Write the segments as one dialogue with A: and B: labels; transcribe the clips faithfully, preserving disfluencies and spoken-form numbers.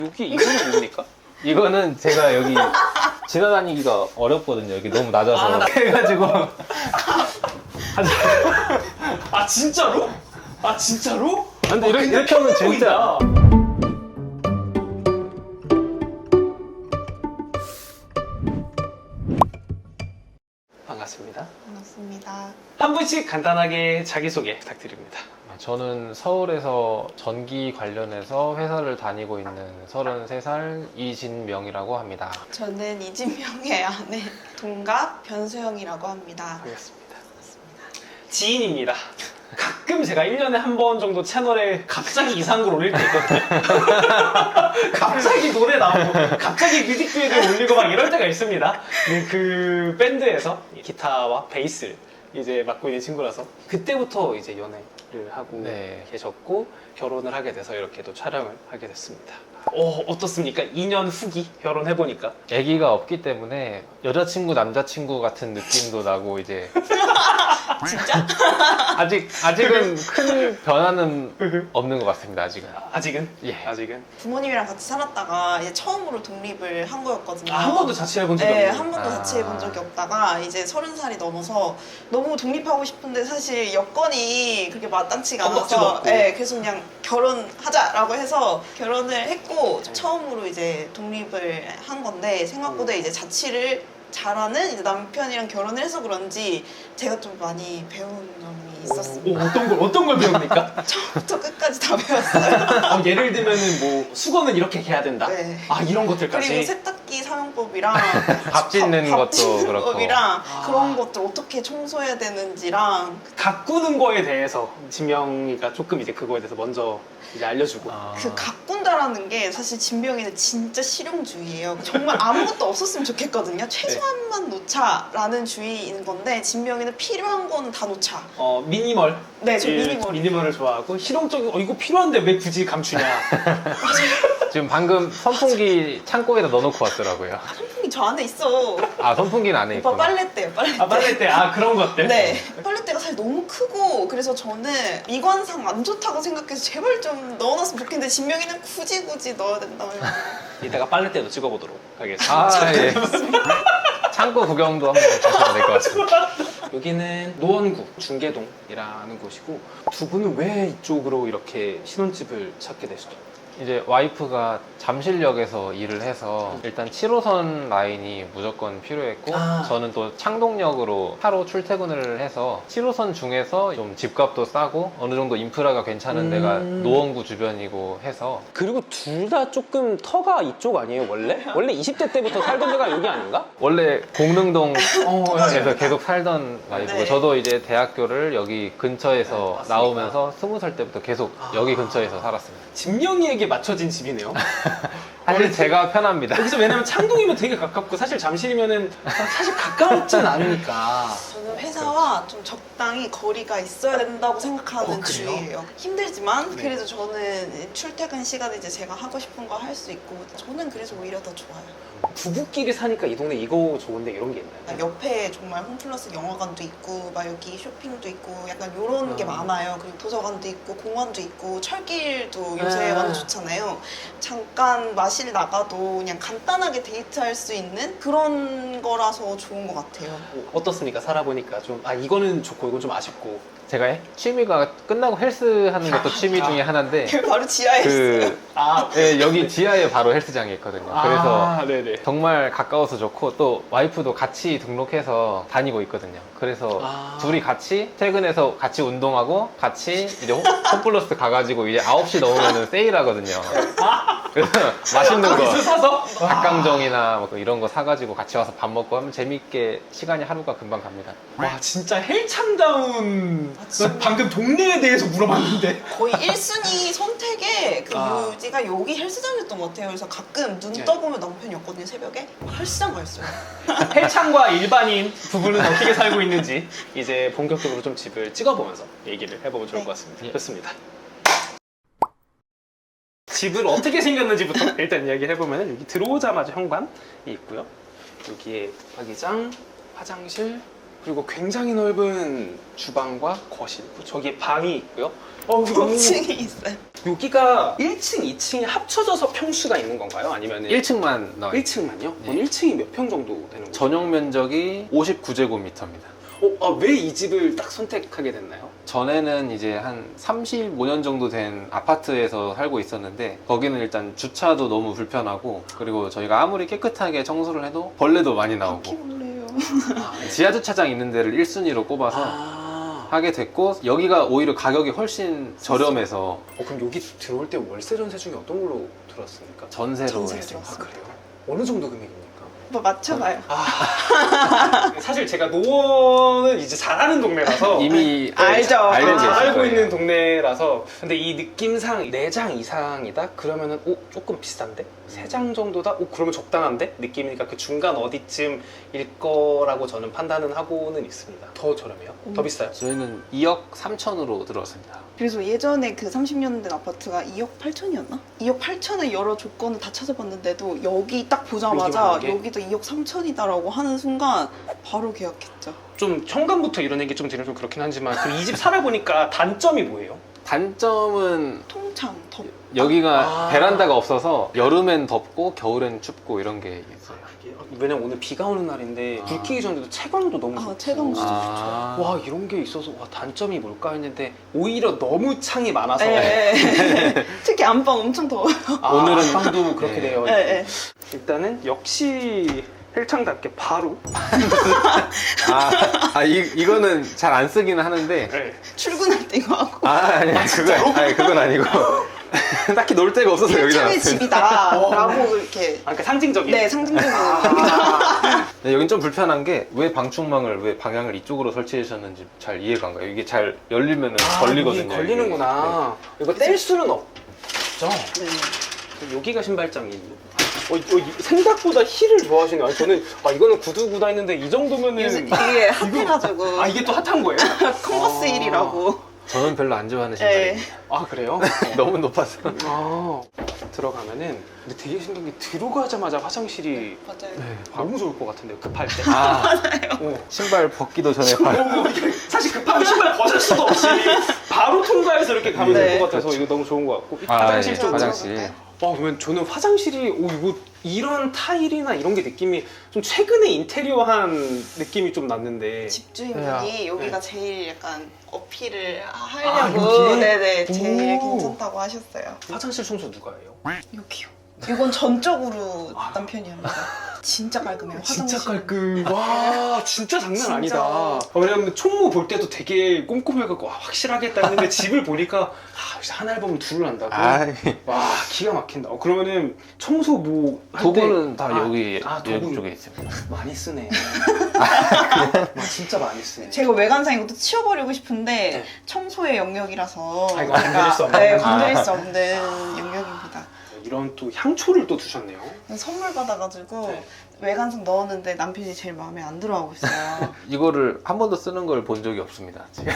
A: 여기 이거는 뭡니까?
B: 이거는 제가 여기 지나다니기가 어렵거든요. 여기 너무 낮아서.
A: 아, 나-
B: 그래가지고.
A: 아 진짜로? 아 진짜로?
B: 근데 이렇게, 이렇게 하면 진짜.
A: 반갑습니다.
C: 반갑습니다.
A: 한 분씩 간단하게 자기소개 부탁드립니다.
B: 저는 서울에서 전기 관련해서 회사를 다니고 있는 서른세 살 이진명이라고 합니다.
C: 저는 이진명의 아내 동갑 변수영이라고 합니다.
A: 반갑습니다. 지인입니다. 가끔 제가 일 년에 한 번 정도 채널에 갑자기 이상한 걸 올릴 때 있거든요. 갑자기 노래 나오고, 갑자기 뮤직비디오 올리고 막 이럴 때가 있습니다. 근데 그 밴드에서 기타와 베이스를 이제 맡고 있는 친구라서 그때부터 이제 연애를 하고
B: 네.
A: 계셨고 결혼을 하게 돼서 이렇게 또 촬영을 하게 됐습니다. 어, 어떻습니까? 이 년 후기 결혼해보니까.
B: 아기가 없기 때문에 여자친구, 남자친구 같은 느낌도 나고 이제
C: 진짜?
B: 아직 아직은 큰 변화는 없는 것 같습니다. 아직은.
A: 아직은?
B: 예.
A: 아직은?
C: 부모님이랑 같이 살았다가 이제 처음으로 독립을 한 거였거든요.
A: 아, 한 번도 자취해본 적이
C: 네,
A: 없네요.
C: 한 번도
B: 아.
C: 자취해본 적이 없다가 이제 서른 살이 넘어서 너무 독립하고 싶은데 사실 여건이 그렇게 마땅치가
A: 건박지도
C: 않아서
A: 없고.
C: 네, 그래서 그냥 결혼하자라고 해서 결혼을 했고 처음으로 이제 독립을 한 건데 생각보다
A: 음.
C: 이제 자취를 잘하는 이제 남편이랑 결혼을 해서 그런지 제가 좀 많이 배운 점이 있었습니다.
A: 오, 어떤 걸, 어떤 걸 배웁니까?
C: 처음부터 끝까지 다 배웠어요.
A: 어, 예를 들면은 뭐 수건은 이렇게 해야 된다?
C: 네.
A: 아, 이런 것들까지?
C: 그리고 세탁기 사용법이랑
B: 밥 짓는
C: 밥
B: 것도
C: 짓는
B: 그렇고.
C: 법이랑
A: 아.
C: 그런 것들 어떻게 청소해야 되는지랑
A: 가꾸는 거에 대해서 진명이가 조금 이제 그거에 대해서 먼저 이제 알려주고.
B: 아.
C: 그 가꾼다라는 게 사실 진병이는 진짜 실용주의예요. 정말 아무것도 없었으면 좋겠거든요. 최소한만 놓자라는 주의인 건데 진병이는 필요한 거는 다 놓자.
A: 어, 미니멀.
C: 네, 저
A: 예,
C: 미니멀.
A: 미니멀을 좋아하고 실용적인, 어, 이거 필요한데 왜 굳이 감추냐.
B: 지금 방금 선풍기 창고에다 넣어놓고 왔더라고요.
C: 선풍기 저 안에 있어.
B: 아 선풍기는 안에
C: 오빠
B: 있구나.
C: 빨래대요, 빨래대.
A: 아, 빨래대. 아, 그런 것들?
C: 네, 빨래대가 사실 너무 크고 그래서 저는 미관상 안 좋다고 생각해서 제발 좀 넣어놨으면 좋겠는데 진명이는 굳이 굳이 넣어야 된다면
A: 이따가 빨래대도 찍어보도록 하겠습니다.
B: 아 예. 창고 구경도 한번 가시면 될 것 같습니다.
A: 여기는 노원구 중계동이라는 곳이고, 두 분은 왜 이쪽으로 이렇게 신혼집을 찾게 되시죠?
B: 이제 와이프가 잠실역에서 일을 해서 일단 칠 호선 라인이 무조건 필요했고
A: 아.
B: 저는 또 창동역으로 차로 출퇴근을 해서 칠 호선 중에서 좀 집값도 싸고 어느 정도 인프라가 괜찮은
A: 음.
B: 데가 노원구 주변이고 해서
A: 그리고 둘 다 조금 터가 이쪽 아니에요, 원래? 원래 이십 대 때부터 살던 데가 여기 아닌가?
B: 원래 공릉동
A: 어,
B: 에서 계속 살던 와이프고
C: 네.
B: 저도 이제 대학교를 여기 근처에서
A: 네, 맞습니다.
B: 나오면서 스무 살 때부터 계속
A: 아.
B: 여기 근처에서 살았습니다.
A: 진명이에게 맞춰진 집이네요.
B: 사실 제가 편합니다.
A: 여기서 왜냐면 창동이면 되게 가깝고 사실 잠실이면은 사실 가까웠진 않으니까.
C: 저는 회사와 좀 적당히 거리가 있어야 된다고 생각하는
A: 어, 그래요?
C: 주의예요. 힘들지만
A: 네.
C: 그래도 저는 출퇴근 시간에 이제 제가 하고 싶은 거 할 수 있고 저는 그래서 오히려 더 좋아요.
A: 부부끼리 사니까 이 동네 이거 좋은데 이런 게 있나요?
C: 옆에 정말 홈플러스 영화관도 있고 막 여기 쇼핑도 있고 약간 이런 게
A: 아.
C: 많아요. 그리고 도서관도 있고 공원도 있고 철길도 요새
A: 아.
C: 완전 좋잖아요. 잠깐 마실 나가도 그냥 간단하게 데이트할 수 있는 그런 거라서 좋은 것 같아요.
A: 뭐 어떻습니까? 살아보니까 좀, 아, 이거는 좋고 이건 좀 아쉽고.
B: 제가 취미가 끝나고 헬스 하는 것도 취미 중에 하나인데
C: 그 바로 지하에 있어요.
B: 그
A: 아,
B: 예, 여기 지하에 바로 헬스장이 있거든요. 그래서
A: 아, 네네.
B: 정말 가까워서 좋고 또 와이프도 같이 등록해서 다니고 있거든요. 그래서
A: 아.
B: 둘이 같이 퇴근해서 같이 운동하고 같이 이제 홈- 홈플러스 가가지고 이제 아홉 시 넘으면 세일하거든요. 그래서 맛있는 거
A: 거기서 사서?
B: 닭강정이나 뭐 이런 거 사가지고 같이 와서 밥 먹고 하면 재밌게 시간이 하루가 금방 갑니다.
A: 와, 진짜 헬창다운.
C: 아, 진짜.
A: 나 방금 동네에 대해서 물어봤는데.
C: 거의 일 순위 선택의 그
A: 아.
C: 묘지가 여기 헬스장이었던 것 같아요. 그래서 가끔 눈
A: 네.
C: 떠보면 남편이 없거든요, 새벽에. 헬스장 가 있어요.
A: 헬창과 일반인 부부는 어떻게 살고 있는지 이제 본격적으로 좀 집을 찍어보면서 얘기를 해보면 좋을
C: 네.
A: 것 같습니다.
B: 예.
A: 좋습니다. 집을 어떻게 생겼는지부터 일단 이야기를 해보면 여기 들어오자마자 현관이 있고요. 여기에 붙박이장, 화장실, 그리고 굉장히 넓은 주방과 거실. 저기 방이 있고요. 어,
C: 오 층이 있어요.
A: 여기가 일 층, 이 층이 합쳐져서 평수가 있는 건가요? 아니면
B: 일 층만 나와
A: 일
B: 있어요.
A: 층만요?
B: 네.
A: 그럼 일 층이 몇 평 정도 되는 거죠?
B: 전용 면적이 오십구 제곱미터입니다.
A: 어, 아, 왜 이 집을 딱 선택하게 됐나요?
B: 전에는 이제 한 삼십오 년 정도 된 아파트에서 살고 있었는데 거기는 일단 주차도 너무 불편하고 그리고 저희가 아무리 깨끗하게 청소를 해도 벌레도 많이 나오고
C: 바퀴벌레요.
B: 지하 주차장 있는 데를 일 순위로 꼽아서
A: 아,
B: 하게 됐고 여기가 오히려 가격이 훨씬 저렴해서
A: 어, 그럼 여기 들어올 때 월세 전세 중에 어떤 걸로 들어왔습니까?
B: 전세로
C: 전세로
B: 했습니다.
A: 아,
C: 들어왔어요.
A: 그래요? 어느 정도 금액입니까?
C: 뭐 맞춰봐요.
A: 아, 사실 제가 노원은 이제 잘하는 동네라서
B: 이미
C: 알죠.
B: 알고
C: 아,
B: 계실
A: 알고
B: 거예요.
A: 있는 동네라서 근데 이 느낌상 네 장 이상이다? 그러면은 오 조금 비싼데? 세 장 정도다? 오 그러면 적당한데? 느낌이니까 그 중간 어디쯤일 거라고 저는 판단은 하고는 있습니다. 더 저렴해요? 더
C: 음.
A: 비싸요?
B: 저희는 이억 삼천으로 들어왔습니다.
C: 그래서 예전에 그 삼십 년 된 아파트가 이억 팔천이었나? 이억 팔천의 여러 조건을 다 찾아봤는데도 여기 딱 보자마자
A: 여기만 하게?
C: 여기도 이억 삼천이다라고 하는 순간 바로 계약했죠.
A: 좀 현관부터 이런 얘기 좀 드리면 좀 그렇긴 하지만 이 집 살아보니까 단점이 뭐예요?
B: 단점은
C: 통창, 덥.
B: 여기가
A: 아.
B: 베란다가 없어서 여름엔 덥고 겨울엔 춥고 이런 게 있어요.
A: 왜냐면 오늘 비가 오는 날인데
B: 아.
A: 불 켜기 전에도 채광도 너무
C: 아,
A: 좋고
C: 채광 진짜
B: 아.
A: 와 이런 게 있어서 와 단점이 뭘까 했는데 오히려 너무 창이 많아서
C: 네. 특히 안방 엄청 더워요.
A: 아,
B: 오늘은-
A: 방도 그렇게
B: 네.
A: 되어 있고
C: 네, 네.
A: 일단은 역시 헬창답게 바로
B: 아, 아 이, 이거는 잘 안 쓰기는 하는데
A: 네.
C: 출근할 때 이거 하고
B: 아 아니 그건 아니 그건 아니고 딱히 놀 데가 없어서 여기다
C: 헬창의
B: 놨어요.
C: 집이다라고 이렇게
A: 아, 그러니까 상징적인
C: 네 상징적인
B: 네, 여긴 좀 불편한 게 왜 방충망을 왜 방향을 이쪽으로 설치해 주셨는지 잘 이해가 안 가요. 이게 잘 열리면
A: 아,
B: 걸리거든요.
A: 이게 걸리는구나 이거 뗄 수는 없죠?
C: 네.
A: 여기가 신발장이 어, 어, 생각보다 힐을 좋아하시네요. 아니, 저는 아 이거는 구두구다 했는데 이 정도면은
C: 요새 이게 핫해가지고
A: 아 이게 또 핫한 거예요?
C: 컨버스
A: 아.
C: 힐이라고.
B: 저는 별로 안 좋아하는
C: 네.
B: 신발입니다.
A: 아 그래요?
B: 너무 높아서.
A: 아 들어가면은 근데 되게 신기한 게 들어가자마자 화장실이
C: 맞아요.
B: 네.
A: 너무 좋을 것 같은데요 급할 때
B: 아
A: 어.
B: 신발 벗기도 전에 발.
A: 어, 이게 사실 급하면 신발 벗을 수도 없이 바로 통과해서 이렇게 가면
C: 네.
A: 될 것 같아서 이거 너무 좋은 것 같고 이
B: 아,
A: 화장실
B: 예,
A: 좀
B: 화장실.
A: 어, 그러면 저는 화장실이 오 이거 이런 타일이나 이런 게 느낌이 좀 최근에 인테리어한 느낌이 좀 났는데
C: 집주인분이 여기가
A: 네.
C: 제일 약간 어필을
A: 아,
C: 하려고
A: 여기에?
C: 네네 제일
A: 오.
C: 괜찮다고 하셨어요.
A: 화장실 청소 누가 해요?
C: 여기요. 이건 전적으로
A: 아.
C: 남편이 합니다. 진짜 깔끔해요.
A: 진짜
C: 화장실.
A: 깔끔. 와, 진짜 장난
C: 진짜.
A: 아니다. 아, 왜냐면 총무 볼 때도 되게 꼼꼼해갖고 와, 확실하겠다 했는데 집을 보니까 아, 역시 한 앨범은 둘을 한다고.
B: 아이,
A: 와, 기가 막힌다. 어, 그러면은 청소 뭐 할
B: 도구는
A: 때-
B: 다
A: 아,
B: 여기
A: 아,
B: 여기
A: 도구
B: 쪽에 있습니다.
A: 많이 쓰네. 와, 진짜 많이 쓰네.
C: 제가 외관상 이것도 치워버리고 싶은데
A: 네.
C: 청소의 영역이라서
A: 아, 이거 건드릴 수 없는.
C: 네,
B: 아.
C: 건드릴 수 없는 영역입니다.
A: 이런 또 향초를 또 두셨네요.
C: 선물 받아가지고
A: 네.
C: 외관상 넣었는데 남편이 제일 마음에 안 들어하고 있어요.
B: 이거를 한 번도 쓰는 걸 본 적이 없습니다. 지금.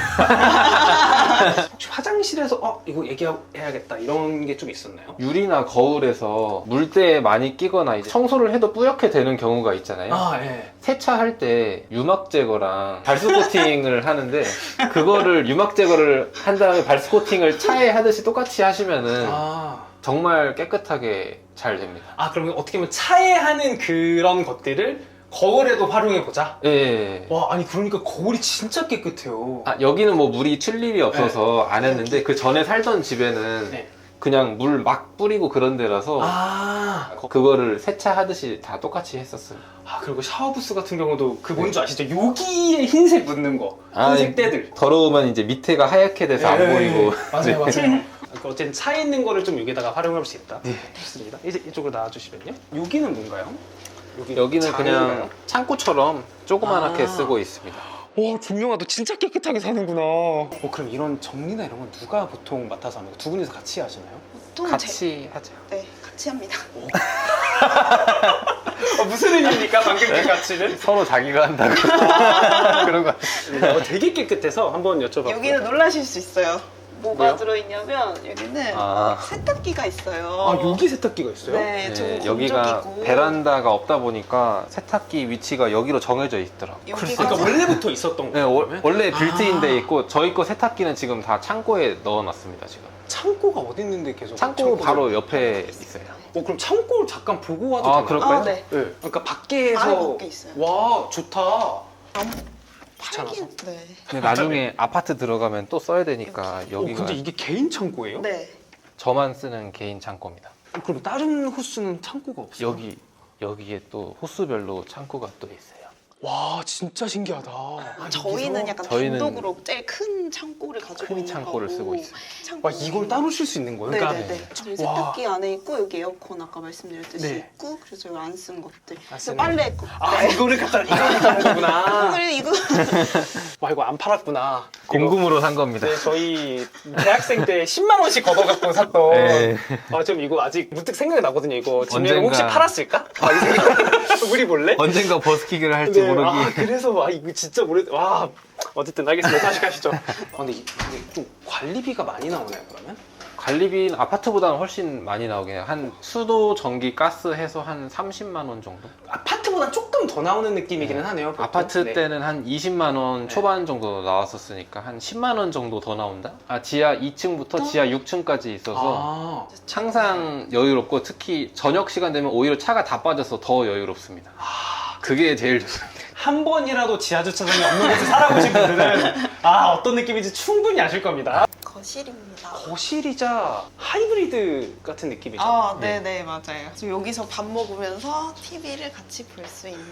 A: 혹시 화장실에서 어 이거 얘기해야겠다 이런 게 좀 있었나요?
B: 유리나 거울에서 물때에 많이 끼거나 이제 청소를 해도 뿌옇게 되는 경우가 있잖아요.
A: 아, 예.
B: 세차할 때 유막 제거랑 발수 코팅을 하는데 그거를 유막 제거를 한 다음에 발수 코팅을 차에 하듯이 똑같이 하시면은
A: 아.
B: 정말 깨끗하게 잘 됩니다.
A: 아 그러면 어떻게 보면 차에 하는 그런 것들을 거울에도 활용해 보자.
B: 예, 예.
A: 와 아니 그러니까 거울이 진짜 깨끗해요.
B: 아, 여기는 뭐 물이 튈 일이 없어서 안 했는데 그 전에 살던 집에는
A: 네.
B: 그냥 물 막 뿌리고 그런 데라서
A: 아,
B: 그거를 세차하듯이 다 똑같이 했었어요.
A: 아 그리고 샤워 부스 같은 경우도 그 뭔지 아시죠? 여기에 흰색 묻는 거, 흰색 때들.
B: 더러우면 이제 밑에가 하얗게 돼서 안
A: 네.
B: 보이고.
A: 맞아요, 맞아요. 그 어쨌든 차에 있는 거를 좀 여기다가 활용할 수 있다. 좋습니다. 이제 이쪽으로 나와주시면요. 여기는 뭔가요? 여기
B: 여기는
A: 장인가요?
B: 그냥 창고처럼 조그맣게
A: 아.
B: 쓰고 있습니다.
A: 와 준영아 너 진짜 깨끗하게 사는구나. 어 그럼 이런 정리나 이런 건 누가 보통 맡아서 하는 거? 두 분이서 같이 하시나요?
C: 보통 제,
B: 같이 하죠.
C: 네 같이 합니다.
A: 어, 무슨 의미입니까 방금 그 같이는?
B: 서로 자기가 한다고. 그런 거.
A: 어, 되게 깨끗해서 한번 여쭤봤고요.
C: 여기는 놀라실 수 있어요. 뭐가
A: 뭐요?
C: 들어있냐면 여기는
B: 아,
C: 세탁기가 있어요.
A: 아 여기 세탁기가 있어요?
C: 네, 좀
B: 네,
C: 건조기고.
B: 여기가 베란다가 없다 보니까 세탁기 위치가 여기로 정해져 있더라고요.
C: 여기가
A: 그러니까 원래부터 있었던
B: 네,
A: 거예요?
B: 워-
A: 그러면?
B: 원래 빌트인돼
A: 아.
B: 있고 저희 거 세탁기는 지금 다 창고에 넣어놨습니다. 지금
A: 창고가 어디 있는데 계속
B: 창고
A: 창고를-
B: 바로 옆에 있어요.
A: 어 그럼 창고를 잠깐 보고 와도
B: 아,
A: 되나요?
B: 그럴까요?
C: 아, 네.
A: 네. 그러니까 밖에서
C: 안에 밖에 있어요.
A: 와 좋다.
C: 팔긴, 네.
B: 근데 나중에 아파트 들어가면 또 써야 되니까
A: 어,
B: 여기가
A: 근데 이게 개인 창고예요?
C: 네.
B: 저만 쓰는 개인 창고입니다.
A: 어, 그럼 다른 호수는 창고가 없어요?
B: 여기 여기에 또 호수별로 창고가 또 있어요.
A: 와 진짜 신기하다. 아,
C: 저희는
A: 여기서?
C: 약간
B: 저희는
C: 단독으로 제일 큰 창고를 가지고
B: 큰
C: 있는
B: 창고를
C: 거고.
B: 쓰고 있어요.
C: 창고.
A: 와 이걸 따로 쉴 수 있는 거예요? 그러니까
C: 네네네. 저희
A: 와.
C: 세탁기 안에 있고 여기 에어컨 아까 말씀드렸듯이
A: 네.
C: 있고 그래서 여기 안 쓴 것들.
A: 안
C: 그래서
A: 쓰는
C: 빨래 있고.
A: 아 이거를 갖다 이거를 갖다 거구나.
C: 그리고 이거
A: 와 이거 안 팔았구나.
B: 공금으로 산 겁니다.
A: 네, 저희 대학생 때 십만 원씩 걷어갖고 샀던.
B: 네.
A: 아, 좀 이거 아직 문득 생각이 나거든요. 이거 진명
B: 언젠가-
A: 혹시 팔았을까? 아, 이 생각. 우리 몰래?
B: 언젠가 버스킹을 할지
A: 네,
B: 모르기.
A: 아, 그래서 와 이거 진짜 오래. 와 어쨌든 알겠습니다. 다시 가시죠. 아, 근데 이- 근데 좀 관리비가 많이 나오나요 그러면?
B: 관리비는 아파트보다는 훨씬 많이 나오긴 해요. 한 수도, 전기, 가스 해서 한 삼십만 원 정도?
A: 아파트보다 조금 더 나오는 느낌이기는 하네요. 보통.
B: 아파트
A: 네.
B: 때는 한 이십만 원 초반 정도 나왔었으니까 한 십만 원 정도 더 나온다? 아, 지하 이 층부터 지하 육 층까지 있어서
A: 아,
B: 항상 여유롭고 특히 저녁 시간 되면 오히려 차가 다 빠져서 더 여유롭습니다. 그게 제일 좋습니다.
A: 한 번이라도 지하 주차장이 없는 곳에 살아보신 분들은 아 어떤 느낌인지 충분히 아실 겁니다.
C: 거실입니다.
A: 거실이자 하이브리드 같은 느낌이죠.
C: 아, 네네, 맞아요. 그래서 여기서 밥 먹으면서 티비를 같이 볼 수 있는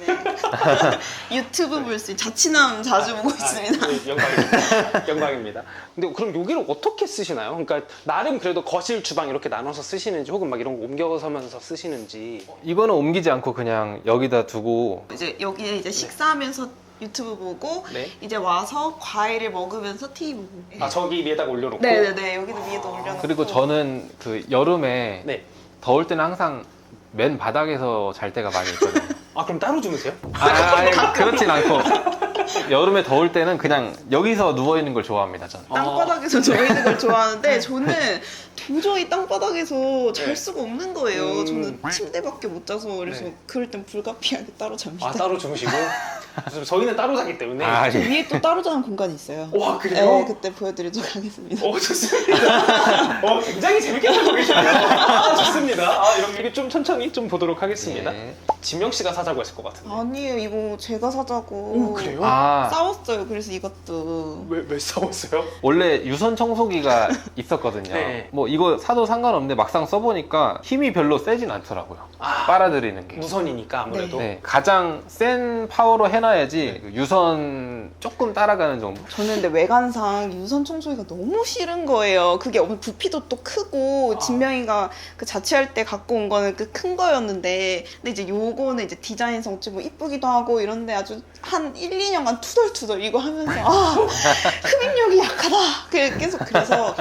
C: 유튜브 볼 수 있는 자취남 자주 보고 있습니다.
A: 아, 네, 영광입니다. 영광입니다. 근데 그럼 여기를 어떻게 쓰시나요? 그러니까 나름 그래도 거실, 주방 이렇게 나눠서 쓰시는지 혹은 막 이런 거 옮겨서면서 쓰시는지.
B: 이거는 옮기지 않고 그냥 여기다 두고
C: 이제 여기에 이제 식사하면서 유튜브 보고
A: 네.
C: 이제 와서 과일을 먹으면서 티비 보고.
A: 아 저기 위에다가 올려놓고.
C: 네네네, 여기도 위에도 올려놓고.
B: 그리고 저는 그 여름에
A: 네.
B: 더울 때는 항상 맨 바닥에서 잘 때가 많이 있거든요.
A: 아 그럼 따로 주무세요?
B: 아, 아니, 그렇진 않고 여름에 더울 때는 그냥 여기서 누워 있는 걸 좋아합니다. 저는.
C: 땅바닥에서 저 있는 걸 좋아하는데 저는 도저히 땅바닥에서 잘
A: 네.
C: 수가 없는 거예요.
A: 음.
C: 저는 침대밖에 못 자서 그래서
A: 네.
C: 그럴 땐 불가피하게 따로 잡니다.
A: 아 따로 주무시고. 저희는 따로 자기 때문에.
B: 아,
C: 저
B: 예.
C: 위에 또 따로 자는 공간이 있어요.
A: 와 그래요?
C: 네, 그때 보여드리도록 하겠습니다.
A: 어 좋습니다. 어 굉장히 재밌게 보고 계시네요. 아, 좋습니다. 아 이런 얘기 좀 천천히 좀 보도록 하겠습니다.
B: 네.
A: 진명 씨가 사자고 했을 것 같은데.
C: 아니에요, 이거 제가 사자고.
A: 오 그래요?
B: 아,
C: 싸웠어요. 그래서 이것도.
A: 왜 왜 싸웠어요?
B: 원래 유선 청소기가 있었거든요.
A: 네.
B: 뭐 이거 사도 상관없는데 막상 써보니까 힘이 별로 세진 않더라고요.
A: 아
B: 빨아들이는 게.
A: 무선이니까 아무래도.
B: 네, 가장 센 파워로 해놔야지 유선 조금 따라가는 정도.
C: 저는 근데 외관상 유선 청소기가 너무 싫은 거예요. 그게 엄청 부피도 또 크고
A: 아.
C: 진명이가 그 자취할 때 갖고 온 거는 그 큰 거였는데 근데 이제 요거는 이제 디자인성 좀 이쁘기도 하고 이런데 아주 한 일, 이 년간 투덜투덜 이거 하면서 아 흡입력이 약하다. 그- 계속 그래서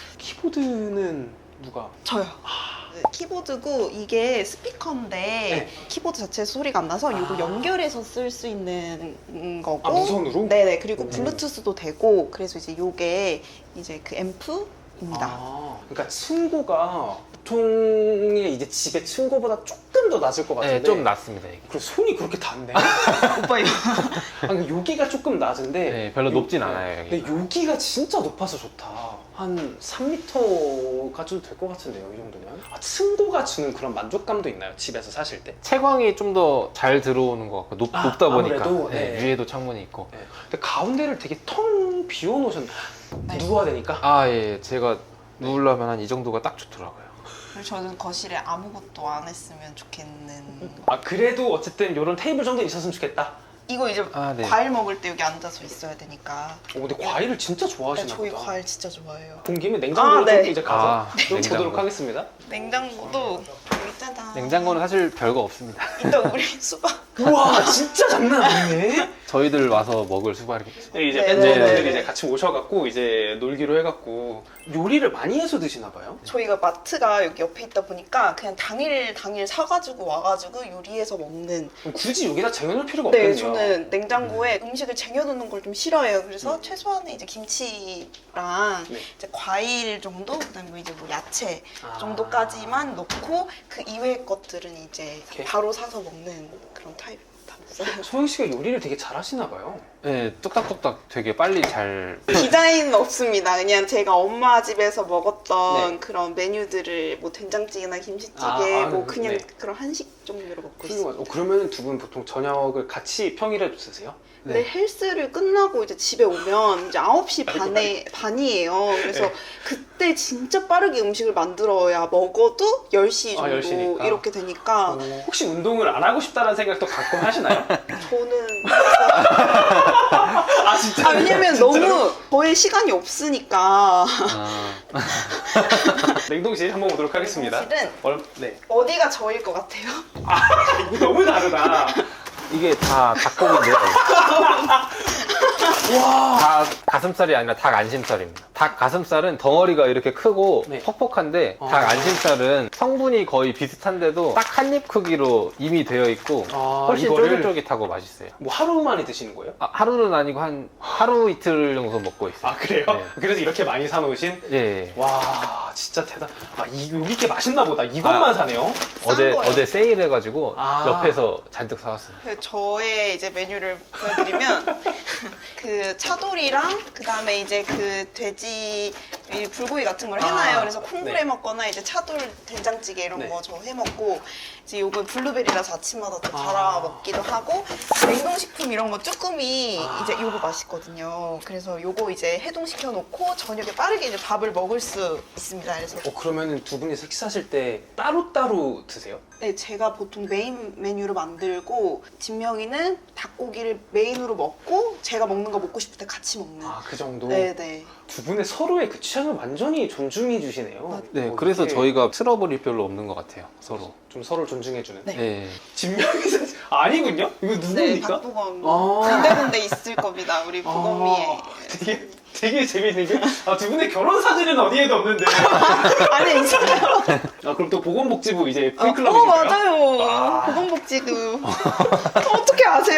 A: 키보드는 누가?
C: 저요. 키보드고 이게 스피커인데
A: 네.
C: 키보드 자체에서 소리가 안 나서 이거
A: 아.
C: 연결해서 쓸 수 있는 거고
A: 아 무선으로?
C: 네네 그리고
A: 오.
C: 블루투스도 되고 그래서 이제 요게 이제 그 앰프입니다.
A: 아, 그러니까 층고가 보통의 이제 집의 층고보다 조금 더 낮을 것 같은데.
B: 네, 좀 낮습니다. 이게.
A: 그리고 손이 그렇게 닿네.
C: 오빠 이거
A: 아니, 여기가 조금 낮은데.
B: 네, 별로
A: 요-
B: 높진
A: 네.
B: 않아요. 여기.
A: 근데 여기가 진짜 높아서 좋다. 한 삼 미터가 좀 될 것 같은데요, 이 정도면. 아, 층고가 주는 그런 만족감도 있나요, 집에서 사실 때?
B: 채광이 좀 더 잘 들어오는 것 같고 높,
A: 아,
B: 높다 보니까
A: 아무래도,
B: 네,
A: 네.
B: 위에도 창문이 있고.
A: 네. 근데 가운데를 되게 텅 비워놓으셨네.
C: 네.
A: 누워야 되니까.
B: 아, 예, 제가 누우려면 한 이 정도가 딱 좋더라고요.
C: 그리고 저는 거실에 아무것도 안 했으면 좋겠는
A: 아, 그래도 어쨌든 이런 테이블 정도 있었으면 좋겠다.
C: 이거 이제
B: 아, 네.
C: 과일 먹을 때 여기 앉아서 있어야 되니까.
A: 어, 근데 과일을 진짜
C: 네,
A: 좋아하시나
C: 저희
A: 보다.
C: 과일 진짜 좋아해요.
A: 본 김에 냉장고를
C: 아, 네.
A: 좀 이제 가서
B: 아,
A: 좀
B: 냉장고.
A: 보도록 하겠습니다.
C: 냉장고도 여기 짜잔.
B: 냉장고는 사실 별거 없습니다.
C: 이따 우리 수박.
A: 우와 진짜 장난 아니네.
B: 저희들 와서 먹을 수발이겠죠.
A: 네, 이제
C: 네,
A: 팬분들이
B: 네.
A: 이제 같이 오셔갖고 이제 놀기로 해갖고 요리를 많이 해서 드시나 봐요.
C: 저희가 마트가 여기 옆에 있다 보니까 그냥 당일 당일 사가지고 와가지고 요리해서 먹는.
A: 그럼 굳이 여기다 쟁여놓을 필요가
C: 네,
A: 없겠네요.
C: 저는 냉장고에 음식을 쟁여놓는 걸 좀 싫어해요. 그래서
A: 음.
C: 최소한의 이제 김치랑
A: 네.
C: 이제 과일 정도, 그다음에 뭐 이제 뭐 야채
A: 아.
C: 정도까지만 넣고 그 이외의 것들은 이제
A: 오케이.
C: 바로 사서 먹는 그런 타입입니다.
A: 소영 씨가 요리를 되게 잘하시나 봐요.
B: 네, 뚝딱뚝딱 되게 빨리 잘.
C: 디자인은 없습니다. 그냥 제가 엄마 집에서 먹었던
A: 네.
C: 그런 메뉴들을 뭐 된장찌개나 김치찌개
A: 아, 아,
C: 뭐
A: 네.
C: 그냥
A: 네.
C: 그런 한식 종류로 먹고 있어요.
A: 훌륭하죠. 어, 그러면 두 분 보통 저녁을 같이 평일에도 드세요?
C: 근데 헬스를 끝나고 이제 집에 오면 이제 아홉 시
A: 아이고,
C: 반에 반이에요. 그래서
A: 네.
C: 그때 진짜 빠르게 음식을 만들어야 먹어도 열 시
A: 아,
C: 정도
A: 열 시니까.
C: 이렇게 되니까
A: 어, 혹시 운동을 안 하고 싶다는 생각도 가끔 하시나요?
C: 저는
A: 아 진짜?
C: 아 왜냐면 너무 저의 시간이 없으니까
B: 아,
A: 냉동실 한번 보도록 하겠습니다.
C: 사실은
A: 얼, 네.
C: 어디가 저일 것 같아요?
A: 이거 너무 다르다.
B: 이게 다 닭고기인데요. 다 가슴살이 아니라 닭 안심살입니다. 닭 가슴살은 덩어리가 이렇게 크고
A: 네.
B: 퍽퍽한데
A: 어.
B: 닭 안심살은 성분이 거의 비슷한데도 딱 한 입 크기로 이미 되어 있고
A: 아,
B: 훨씬
A: 이거를
B: 쫄깃쫄깃하고 맛있어요.
A: 뭐 하루 만에 드시는 거예요?
B: 아, 하루는 아니고 한 하루 이틀 정도 먹고 있어요.
A: 아 그래요?
B: 네.
A: 그래서 이렇게 많이 사놓으신?
B: 예, 예.
A: 와 진짜 대단. 아 이, 여기 이렇게 맛있나 보다. 이것만
B: 아.
A: 사네요.
B: 어제
C: 거예요.
B: 어제 세일해가지고
A: 아.
B: 옆에서 잔뜩 사왔어요.
C: 그 저의 이제 메뉴를 보여드리면 그 차돌이랑 그 다음에 이제 그 돼지 이 불고기 같은 걸 해놔요.
A: 아,
C: 그래서 콩불
A: 네.
C: 해 먹거나 이제 차돌 된장찌개 이런
A: 네.
C: 거 저 해 먹고 이제 요거 블루베리라서 아침마다 또
A: 아.
C: 갈아 먹기도 하고 냉동식품 이런 거 쭈꾸미
A: 아.
C: 이제 요거 맛있거든요. 그래서 요거 이제 해동시켜 놓고 저녁에 빠르게 이제 밥을 먹을 수 있습니다. 그래서
A: 어 그러면은 두 분이 식사하실 때 따로 따로 드세요?
C: 네, 제가 보통 메인 메뉴로 만들고 진명이는 닭고기를 메인으로 먹고 제가 먹는 거 먹고 싶을 때 같이 먹는.
A: 아 그 정도.
C: 네네.
A: 두 분의 서로의 그 취향을 완전히 존중해 주시네요.
B: 네,
A: 어,
B: 그래서
A: 이게
B: 저희가 트러블이 별로 없는 것 같아요. 서로.
A: 좀 서로를 존중해 주는.
C: 네.
B: 예.
A: 진명이사 아니군요? 이거
C: 네,
A: 누굽니까?
C: 박보검.
A: 아.
C: 군데군데 있을 겁니다. 우리 보검이의.
A: 아, 되게 되게 재미있는 게 아, 두 분의 결혼 사진은 어디에도 없는데.
C: 아니 있어요.
A: 아 그럼 또 보건복지부 이제
C: 어,
A: 팬클럽이신가요?
C: 어 맞아요.
A: 아.
C: 보건복지구. 어떻게 아세요?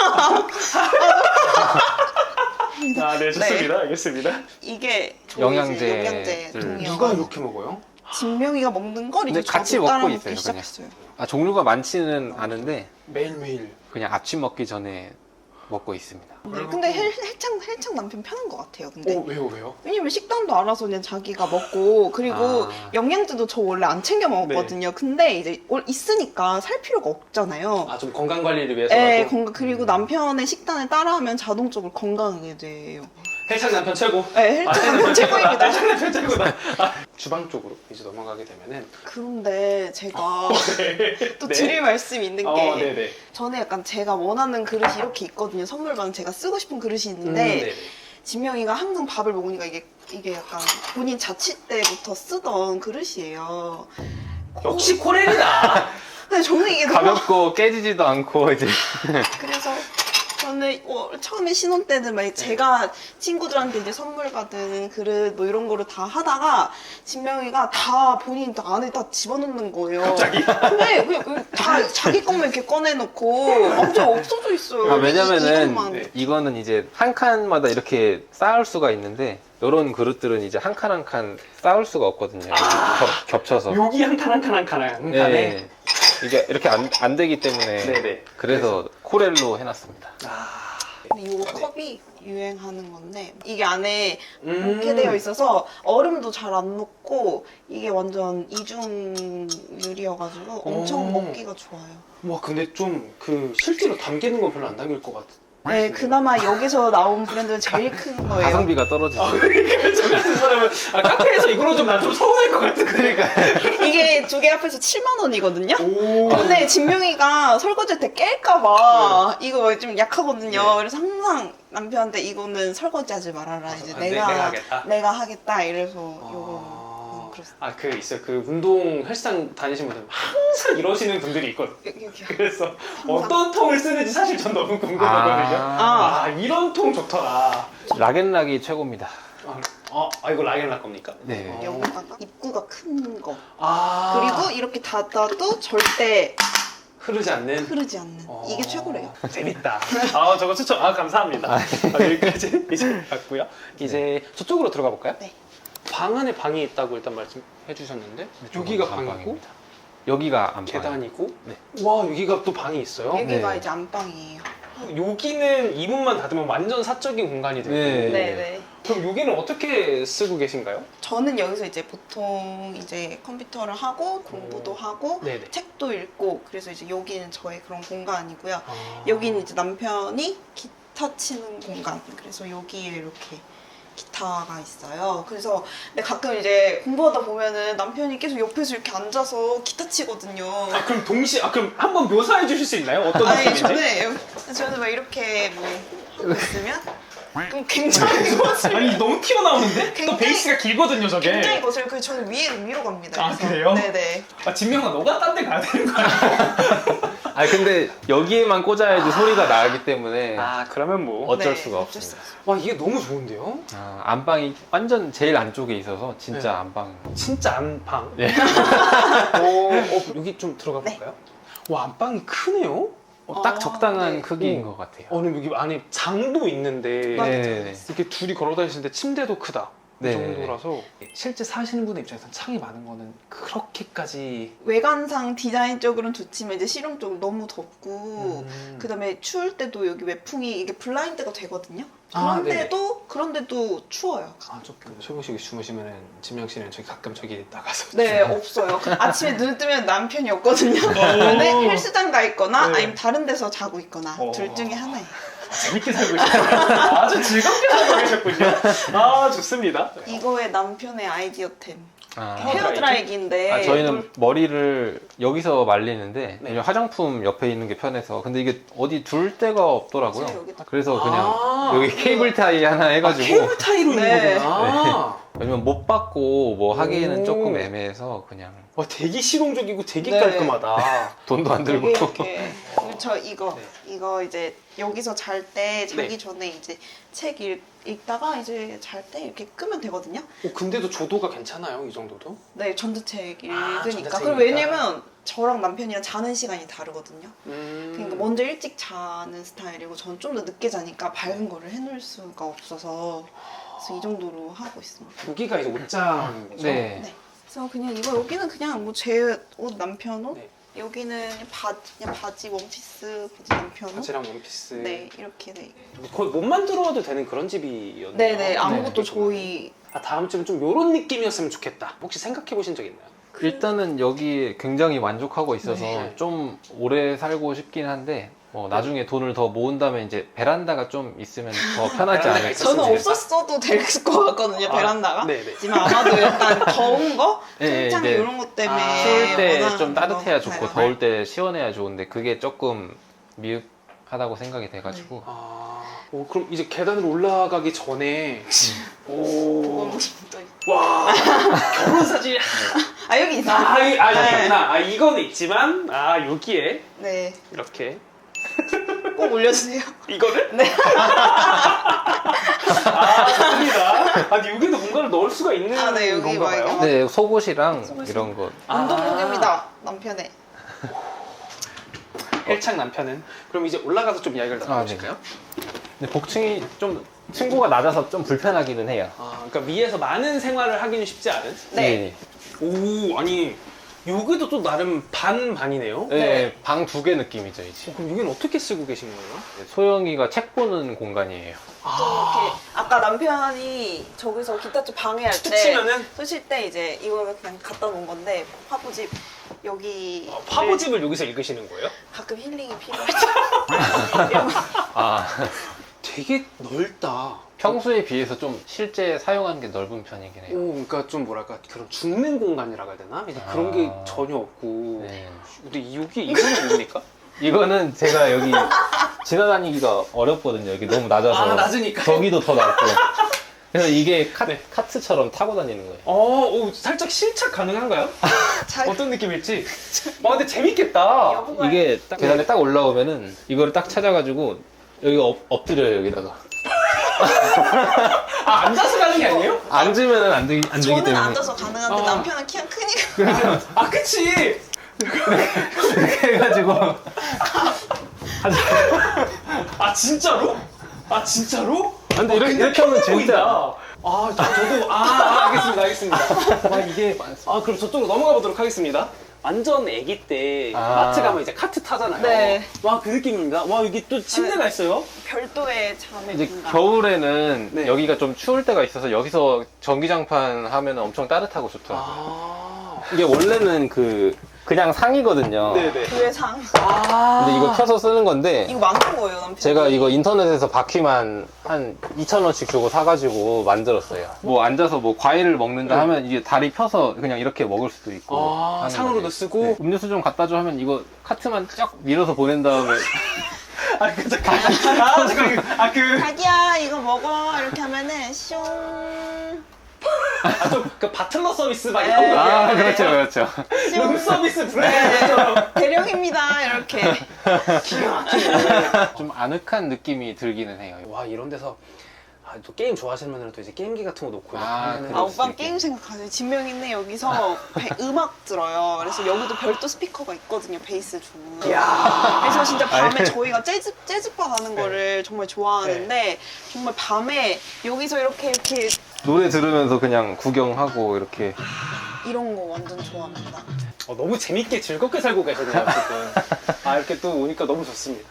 A: 아, 네, 좋습니다. 알겠습니다.
C: 이게 저희 이제
B: 영양제들.
C: 영양제
A: 누가
C: 동의어가
A: 이렇게 먹어요?
C: 진명이가 먹는 걸 이제
B: 근데 같이
C: 저도 따라
B: 먹고
C: 먹기
B: 있어요, 그냥.
C: 시작했어요.
B: 아, 종류가 많지는 않은데
A: 매일매일.
B: 그냥 아침 먹기 전에 먹고 있습니다.
C: 네, 근데 헬, 헬창 헬창 남편 편한 것 같아요. 근데
A: 어, 왜요, 왜요?
C: 왜냐면 식단도 알아서 그냥 자기가 먹고 그리고
B: 아.
C: 영양제도 저 원래 안 챙겨 먹었거든요. 근데 이제 올- 있으니까 살 필요가 없잖아요.
A: 아, 좀 건강 관리를 위해서라도.
C: 네, 건강 그리고 남편의 식단을 따라하면 자동적으로 건강하게 돼요.
A: 헬창 남편 최고.
C: 네,
A: 아,
C: 헬창 남편 최고입니다.
A: 헬창 남편 최고다. 아, 주방 쪽으로 이제 넘어가게 되면은.
C: 그런데 제가 또
A: 네.
C: 드릴 말씀이 있는 게
A: 어, 네네.
C: 저는 약간 제가 원하는 그릇이 이렇게 있거든요. 선물 받은 제가 쓰고 싶은 그릇이
A: 음,
C: 있는데
A: 네네.
C: 진명이가 항상 밥을 먹으니까 이게 이게 약간 본인 자취 때부터 쓰던 그릇이에요.
A: 역시 코렐이다.
C: 근데 저는 이게 너무
B: 가볍고 깨지지도 않고 이제
C: 그래서 저는 어, 처음에 신혼 때는 막 제가 친구들한테 이제 선물 받은 그릇 뭐 이런 거를 다 하다가 진명이가 다 본인 다 안에 다 집어넣는 거예요.
A: 갑자기?
C: 근데 그냥 그다 자기 것만 이렇게 꺼내놓고 완전 없어져 있어요.
B: 아,
C: 이-
B: 왜냐면은
C: 이것만.
A: 네.
B: 이거는 이제 한 칸마다 이렇게 쌓을 수가 있는데 이런 그릇들은 이제 한 칸 한 칸 쌓을 수가 없거든요. 겹, 겹쳐서.
A: 여기 한 칸 한 칸 한 칸 한 칸에.
B: 네. 이게 이렇게 안, 안 되기 때문에
A: 네네.
B: 그래서 코렐로 해놨습니다.
A: 아.
C: 근데 이 컵이 유행하는 건데 이게 안에
A: 음.
C: 이렇게 되어 있어서 얼음도 잘 안 녹고 이게 완전 이중 유리여가지고 엄청
A: 오.
C: 먹기가 좋아요.
A: 와, 근데 좀 그 실제로 담기는 건 별로 안 담길 것 같아.
C: 네, 그나마 여기서 나온 브랜드는 제일 큰 거예요.
B: 가성비가 떨어지죠.
A: 아, 그러니까 저 같은 사람은 아, 카페에서 이거로 좀 난 좀 서운할 것 같은 그러니까.
C: 이게 두 개 합해서 칠만 원이거든요.
A: 오.
C: 근데 진명이가 설거지 때 깰까봐 이거 좀 약하거든요.
A: 네.
C: 그래서 항상 남편한테 이거는 설거지하지 말아라. 이제
A: 아, 네,
C: 내가
A: 내가 하겠다?
C: 내가 하겠다. 이래서
A: 아.
C: 요거 그렇습니다.
A: 아, 그 있어요. 그 운동 헬스장 다니시는 분들 항상 이러시는 분들이 있거든요.
C: 여기 여기요.
A: 그래서 어떤 통을 쓰는지 사실 전 너무 궁금하거든요. 아,
C: 아.
A: 이런 통 좋더라.
B: 락앤락이 최고입니다.
A: 아, 어, 아 이거 라겐락 겁니까?
B: 네.
A: 어.
C: 여기다가 입구가 큰 거.
A: 아,
C: 그리고 이렇게 닫아도 절대
A: 흐르지 않는.
C: 흐르지 않는.
A: 어.
C: 이게 최고래요.
A: 재밌다. 아, 저거 추천. 아, 감사합니다. 아, 여기까지 이제 갔고요. 이제 저쪽으로 들어가 볼까요?
C: 네.
A: 방 안에 방이 있다고 일단 말씀해 주셨는데 여기가 방이고
B: 안방입니다. 여기가 안방.
A: 계단이고.
B: 네.
A: 와, 여기가 또 방이 있어요.
C: 여기가
B: 네.
C: 이제 안방이에요.
A: 여기는 이 문만 닫으면 완전 사적인 공간이 되고.
B: 네.
C: 네네.
A: 그럼 여기는 어떻게 쓰고 계신가요?
C: 저는 여기서 이제 보통 이제 컴퓨터를 하고 공부도 하고
A: 네네.
C: 책도 읽고 그래서 이제 여기는 저의 그런 공간이고요.
A: 아.
C: 여기는 이제 남편이 기타 치는 공간. 그래서 여기에 이렇게 기타가 있어요. 그래서 근데 가끔 이제 공부하다 보면은 남편이 계속 옆에서 이렇게 앉아서 기타 치거든요.
A: 아, 그럼 동시에 아 그럼 한번 묘사해 주실 수 있나요? 어떤
C: 아니
A: 느낌인지?
C: 저는 여기- 저는 막 이렇게 뭐 하고 있으면 그럼 굉장히 거슬.
A: 아니 너무 튀어나오는데? 또
C: 굉장히-
A: 베이스가 길거든요 저게.
C: 굉장히 거슬. 그 저는 위로 위로 갑니다.
A: 아,
C: 그래서.
A: 그래요?
C: 네네.
A: 아, 진명아 너가 딴 데 가야 되는 거 아니야?
B: 아 근데 여기에만 꽂아야지 소리가 나기 때문에
A: 아 그러면 뭐.
B: 어쩔
C: 네,
B: 수가
C: 어쩔 수
B: 없습니다.
A: 와 이게 너무 좋은데요?
B: 아, 안방이 완전 제일 안쪽에 있어서 진짜
A: 네.
B: 안방.
A: 진짜 안방.
B: 네.
A: 어, 어, 여기 좀 들어가
C: 네.
A: 볼까요? 와 안방이 크네요.
B: 어, 딱
C: 아,
B: 적당한
C: 네.
B: 크기인
A: 음.
B: 것 같아요.
A: 어, 근데 여기 안에 장도 있는데
C: 맞아요.
B: 네네네.
A: 이렇게 둘이 걸어 다니시는데 침대도 크다. 이
B: 네네네.
A: 정도라서 실제 사시는 분의 입장에서는 창이 많은 거는 그렇게까지.
C: 외관상 디자인적으로는 좋지만 이제 실용적으로 너무 덥고
A: 음.
C: 그다음에 추울 때도 여기 외풍이 이게 블라인드가 되거든요.
A: 아,
C: 그런데도 그런데도 추워요.
A: 아, 조금 최고식이 주무시면은 진명 씨는 저기 가끔 저기 나가서.
C: 네, 없어요. 아침에 눈 뜨면 남편이 없거든요. 근데 헬스장 가 있거나
A: 네.
C: 아니면 다른 데서 자고 있거나
A: 어.
C: 둘 중에 하나예요.
A: 재밌게 살고 계셨군요. 아주 즐겁게 살고 계셨군요. 아, 좋습니다.
C: 이거의 남편의 아이디어템.
B: 아,
C: 헤어 드라이기인데
B: 아, 저희는
C: 물-
B: 머리를 여기서 말리는데
A: 네.
B: 이제 화장품 옆에 있는 게 편해서 근데 이게 어디 둘 데가 없더라고요.
C: 제가 여기다-
B: 그래서 그냥
A: 아,
B: 여기 케이블 타이 하나
A: 아,
B: 해가지고
A: 케이블 타이로
C: 네.
A: 있는 거구나.
B: 왜냐면 못 받고 뭐 하기에는
A: 오.
B: 조금 애매해서 그냥
A: 와, 되게 실용적이고 되게
C: 네.
A: 깔끔하다.
B: 돈도 안 들고
C: 이게 이렇게 그리고 저 이거
A: 네.
C: 이거 이제 여기서 잘 때 자기
A: 네.
C: 전에 이제 책 읽, 읽다가 이제 잘 때 이렇게 끄면 되거든요.
A: 어, 근데도 조도가 괜찮아요, 이 정도도?
C: 네, 전자책
A: 아,
C: 읽으니까.
A: 전자책이니까.
C: 그리고 왜냐면 저랑 남편이랑 자는 시간이 다르거든요.
A: 음.
C: 그러니까 먼저 일찍 자는 스타일이고 전 좀 더 늦게 자니까 밝은 거를 해놓을 수가 없어서 그래서 이 정도로 하고 있습니다.
A: 여기가 이제 옷장이죠?
B: 네.
C: 네. 그래서 그냥 이거 여기는 그냥 뭐 제 옷 남편 옷
A: 네.
C: 여기는 바, 그냥 바지 원피스 바지 남편 옷
A: 바지랑 원피스.
C: 네 이렇게 돼.
A: 거의 못 만들어도 되는 그런 집이었네요.
C: 네네 아무것도
B: 네.
C: 저희
A: 아, 다음쯤은 좀 요런 느낌이었으면 좋겠다. 혹시 생각해 보신 적 있나요?
B: 일단은 여기 굉장히 만족하고 있어서
A: 네.
B: 좀 오래 살고 싶긴 한데 뭐 나중에 돈을 더 모은 다음에 이제 베란다가 좀 있으면 더 편하지
A: 베란다가
B: 않을까.
A: 있었으면
C: 저는
A: 좋겠다.
C: 없었어도 될 것 같거든요
A: 아,
C: 베란다가.
A: 네네.
C: 하지만 아마도 약간 더운 거,
B: 네,
C: 통창
B: 네.
C: 이런 것 때문에
A: 아,
B: 추울 때
C: 원하는
B: 좀 따뜻해야
C: 거
B: 좋고
C: 같아요.
B: 더울 때 시원해야 좋은데 그게 조금 미흡하다고 생각이 돼가지고
A: 아, 오, 그럼 이제 계단으로 올라가기 전에 오,
C: 그건 또 있-
A: 와, 결혼 사진.
C: 아 여기 있어요.
A: 아, 이- 아,
C: 네.
A: 여기구나. 아, 이거는 있지만, 아, 여기에
C: 네,
A: 이렇게
C: 꼭 올려주세요.
A: 이거를?
C: 네.
A: 아, 좋습니다. 아니, 여기도 뭔가를 넣을 수가 있는
C: 아, 네, 여기
A: 건가 봐요.
C: 막
B: 네 속옷이랑
C: 속옷이-
B: 이런 거
A: 아.
C: 운동복입니다 남편의.
A: 헬창 남편은. 그럼 이제 올라가서 좀 이야기를
B: 아, 네.
A: 나눠보실까요?
B: 근데 복층이 좀 층고가 낮아서 좀 불편하기는 해요.
A: 아, 그러니까 위에서 많은 생활을 하기는 쉽지 않은?
C: 네.
A: 오, 아니, 여기도 또 나름 반반이네요?
B: 네,
C: 네.
B: 방 두 개 느낌이죠 이제.
A: 그럼 여기는 어떻게 쓰고 계신 거예요?
B: 소영이가 책 보는 공간이에요.
C: 또 이렇게 아까 남편이 저기서 기타 쪽 방해할
A: 툭
C: 때
A: 치면은?
C: 쓰실 때 이제 이거를 그냥 갖다 놓은 건데 화보집 여기
A: 아, 화보집을 여기서 읽으시는 거예요?
C: 가끔 힐링이 필요할 때 이런 거.
B: 아
A: 되게 넓다.
B: 평소에 비해서 좀 실제 사용하는 게 넓은 편이긴 해요.
A: 오, 그러니까 좀 뭐랄까 그런 죽는 공간이라고 해야 되나? 이제 그런 게
B: 아.
A: 전혀 없고.
B: 네.
A: 근데 여기 이거는 뭡니까?
B: 이거는 제가 여기 지나다니기가 어렵거든요. 여기 너무 낮아서.
A: 아, 낮으니까.
B: 저기도 더 낮고. 그래서 이게 카,
A: 네.
B: 카트처럼 타고 다니는 거예요.
A: 어, 오, 살짝 실착 가능한가요?
C: 잘
A: 어떤 느낌일지. 와, 근데 재밌겠다.
C: 여보가
B: 이게 딱 계단에 딱 올라오면은 이거를 딱 찾아가지고 여기 엎, 엎드려요 여기다가.
A: 아, 앉아서 가는 게 아니에요?
B: 앉으면은 안 되기 안 되기
C: 저는
B: 때문에
C: 앉아서 가능한데
A: 아.
C: 남편은 키가 크니까
A: 아, 그치.
B: 그렇게 해가지고
A: 아, 진짜로? 아, 진짜로?
B: 근데 이렇게,
A: 근데
B: 이렇게 하면
A: 편해
B: 진짜
A: 보인다. 아, 저, 저도 아, 아 알겠습니다, 알겠습니다. 아, 이게 아, 그럼 저쪽으로 넘어가 보도록 하겠습니다. 완전 아기 때
B: 아.
A: 마트 가면 이제 카트 타잖아요.
C: 네.
A: 와, 그 느낌입니다. 와, 여기 또 침대가 있어요.
C: 별도의 잠의
B: 이제
C: 공간.
B: 겨울에는
A: 네.
B: 여기가 좀 추울 때가 있어서 여기서 전기장판 하면 엄청 따뜻하고 좋더라고요.
A: 아,
B: 이게 원래는 그 그냥 상이거든요.
A: 네네.
C: 교회 상.
A: 아,
B: 근데 이거 켜서 쓰는 건데
C: 이거 만든 거예요 남편.
B: 제가 이거 인터넷에서 바퀴만 한 이천 원씩 주고 사가지고 만들었어요. 뭐 앉아서 뭐 과일을 먹는다
A: 네.
B: 하면 이게 다리 펴서 그냥 이렇게 먹을 수도 있고.
A: 아,
B: 하는
A: 상으로도
B: 거지.
A: 쓰고?
B: 네. 음료수 좀 갖다 줘 하면 이거 카트만 쫙 밀어서 보낸 다음에
A: 아, 그 잠깐. 아, 잠깐. 아, 그.
C: 자기야 이거 먹어 이렇게 하면은 슝.
A: 아, 좀, 그 바틀러 서비스 막
C: 네.
A: 이런 거.
B: 아 그렇죠 그렇죠.
A: 룸 서비스 브랜드처럼.
C: 대령입니다 이렇게.
A: 기가 막히네.
B: 좀 아늑한 느낌이 들기는 해요.
A: 와, 이런 데서 아, 또 게임 좋아하시는 분들은 또 이제 게임기 같은 거 놓고 이렇게
B: 아,
A: 하면은
B: 그럴
C: 아
B: 수
C: 오빠
B: 있게.
C: 게임 생각하세요. 진명이네 여기서 배- 음악 들어요. 그래서 여기도 별도 스피커가 있거든요. 베이스 중.
A: 이야.
C: 그래서 진짜 밤에
B: 아니.
C: 저희가 재즈 재즈바 가는 거를 정말 좋아하는데 정말 밤에 여기서 이렇게 이렇게
B: 노래 들으면서 그냥 구경하고 이렇게.
C: 이런 거 완전 좋아합니다.
A: 어, 너무 재밌게 즐겁게 살고 계셨네요, 지금. 아, 이렇게 또 오니까 너무 좋습니다.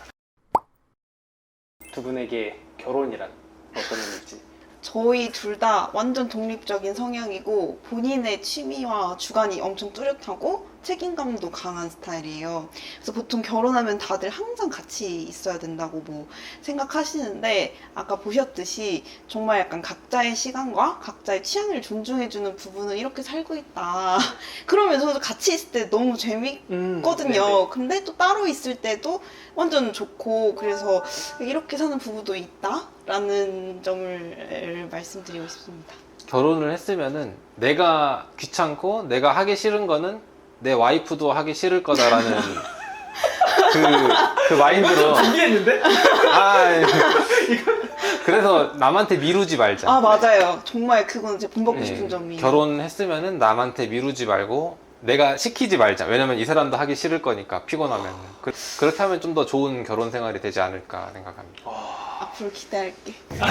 A: 두 분에게 결혼이란 어떤 의미일지.
C: 저희 둘 다 완전 독립적인 성향이고 본인의 취미와 주관이 엄청 뚜렷하고 책임감도 강한 스타일이에요. 그래서 보통 결혼하면 다들 항상 같이 있어야 된다고 뭐 생각하시는데 아까 보셨듯이 정말 약간 각자의 시간과 각자의 취향을 존중해주는 부분은 이렇게 살고 있다. 그러면서도 같이 있을 때 너무 재밌
A: 음,
C: 있거든요. 근데 또 따로 있을 때도 완전 좋고 그래서 이렇게 사는 부부도 있다라는 점을 말씀드리고 싶습니다.
B: 결혼을 했으면은 내가 귀찮고 내가 하기 싫은 거는 내 와이프도 하기 싫을 거다라는 그, 그 마인드로.
A: 준비했는데?
B: 아, 예. 그래서 남한테 미루지 말자.
C: 아 맞아요. 정말 그건 제 본받고
B: 예,
C: 싶은 점이에요.
B: 결혼했으면은 남한테 미루지 말고 내가 시키지 말자. 왜냐면 이 사람도 하기 싫을 거니까 피곤하면. 그, 그렇게 하면 좀 더 좋은 결혼 생활이 되지 않을까 생각합니다.
C: 앞으로 기대할게.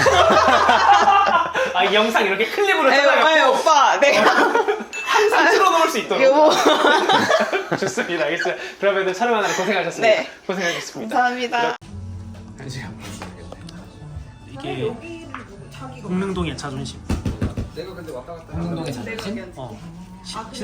A: 아, 이 영상 이렇게 클립으로
C: 에이, 에이,
A: 잘라갖고
C: 오빠 내가
A: 항상 틀어놓을 수 있도록.
C: 여보
A: 좋습니다. 알겠어요. 그러면 촬영하느라 고생하셨습니다.
C: 네.
A: 고생하셨습니다.
C: 감사합니다.
A: 이게 공릉동의 자존심.
B: 내가 근데 왔다 갔다
A: 공릉동의 자존심? 어.